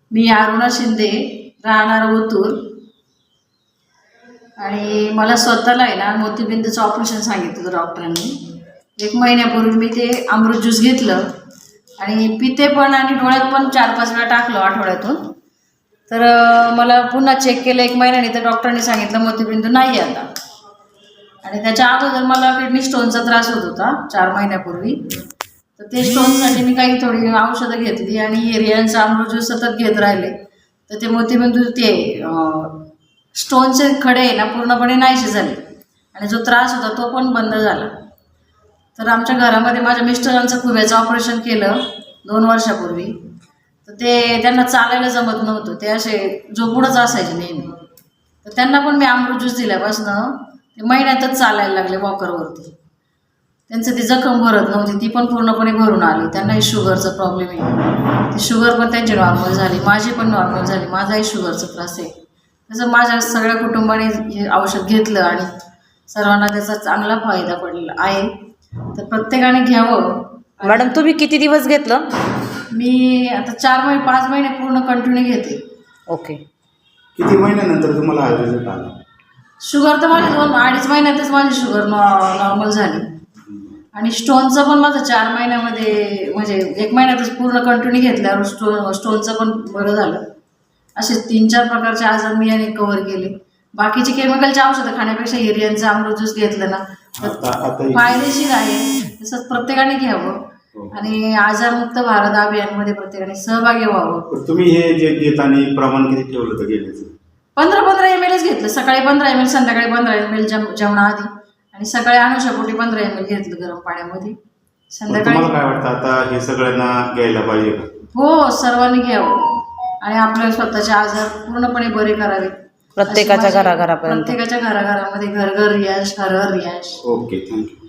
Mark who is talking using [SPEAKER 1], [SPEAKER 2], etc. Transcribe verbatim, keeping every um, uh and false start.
[SPEAKER 1] मी अरुणा शिंदे, राहणार ओतूर. आणि मला स्वतःला आहे ना मोतीबिंदूचं ऑपरेशन सांगितलं डॉक्टरांनी. एक महिन्यापूर्वी मी ते अमृत ज्यूस घेतलं आणि पिते पण आणि डोळ्यात पण चार पाच वेळा टाकलं आठवड्यातून. तर मला पुन्हा चेक केलं एक महिन्याने, तर डॉक्टरांनी सांगितलं मोतीबिंदू नाही आहे आता. आणि त्याच्या अगोदर मला किडनी स्टोनचा त्रास होत होता चार महिन्यापूर्वी. तर ते स्टोनसाठी मी काही थोडी औषधं घेतली आणि रियांचा अमृत ज्यूस सतत घेत राहिले. तर ते मोतीबिंदू ते स्टोनचे खडे ना पूर्णपणे नाहीसे झाले आणि जो त्रास होता तो पण बंद झाला. तर आमच्या घरामध्ये माझ्या मिस्टरांचं खुब्याचं ऑपरेशन केलं दोन वर्षापूर्वी. तर ते त्यांना चालायला जमत नव्हतं, ते असे झोपूडच असायचे नेहमी. तर त्यांना पण मी अमृत ज्यूस दिल्यापासनं ते महिन्यातच चालायला लागले वॉकरवरती. त्यांचं ती जखम भरत नव्हती, ती पण पूर्णपणे भरून आली. त्यांनाही शुगरचा प्रॉब्लेम आहे, ती शुगर पण त्यांची नॉर्मल झाली, माझी पण नॉर्मल झाली. माझाही शुगरचा त्रास आहे. तसं माझ्या सगळ्या कुटुंबाने हे औषध घेतलं आणि सर्वांना त्याचा चांगला फायदा पडलेला आहे. तर प्रत्येकाने घ्यावं.
[SPEAKER 2] मॅडम तुम्ही किती दिवस घेतलं?
[SPEAKER 1] मी आता चार महिने पाच महिने पूर्ण कंटिन्यू घेते.
[SPEAKER 2] ओके.
[SPEAKER 3] किती महिन्यानंतर तुम्हाला हा रिझल्ट आला?
[SPEAKER 1] शुगर तर माझी दोन अडीच महिन्यातच माझी शुगर नॉर्मल झाली आणि स्टोनचं पण माझं चार महिन्यामध्ये म्हणजे एक महिन्यातच पूर्ण कंटिन्यू घेतल्यावर स्टोन स्टोनचं पण बरं झालं. असे तीन चार प्रकारचे आजार मी याने कव्हर केले. बाकीचे केमिकलचे औषधं खाण्यापेक्षा हिरियांचं अमृत ज्यूस घेतलं ना तर फायदेशीर आहे. तसंच प्रत्येकाने घ्यावं आणि आजारमुक्त भारत अभियानमध्ये प्रत्येकाने सहभागी व्हावं.
[SPEAKER 3] तुम्ही हे जे घेताना प्रमाण किती ठेवलं होतं घेण्याचं?
[SPEAKER 1] पंधरा पंधरा एम एलच घेतलं. सकाळी पंधरा एम एल, संध्याकाळी पंधरा एम एल जेव जेवणाआधी आणि सकाळी अनुषापोटी पंधरा एम एल घेतलं गरम पाण्यामध्ये. संध्याकाळी
[SPEAKER 3] तुम्हाला काय वाटतं आता हे सगळ्यांना घ्यायला पाहिजे का?
[SPEAKER 1] हो, सर्वांनी घ्यावं आणि आपल्या स्वतःचे आजार पूर्णपणे बरे करावे.
[SPEAKER 2] प्रत्येकाच्या घराघरापर्यंत,
[SPEAKER 1] प्रत्येकाच्या घराघरामध्ये घर घर रियाज, हर हर रियाज.
[SPEAKER 3] Okay, thank you.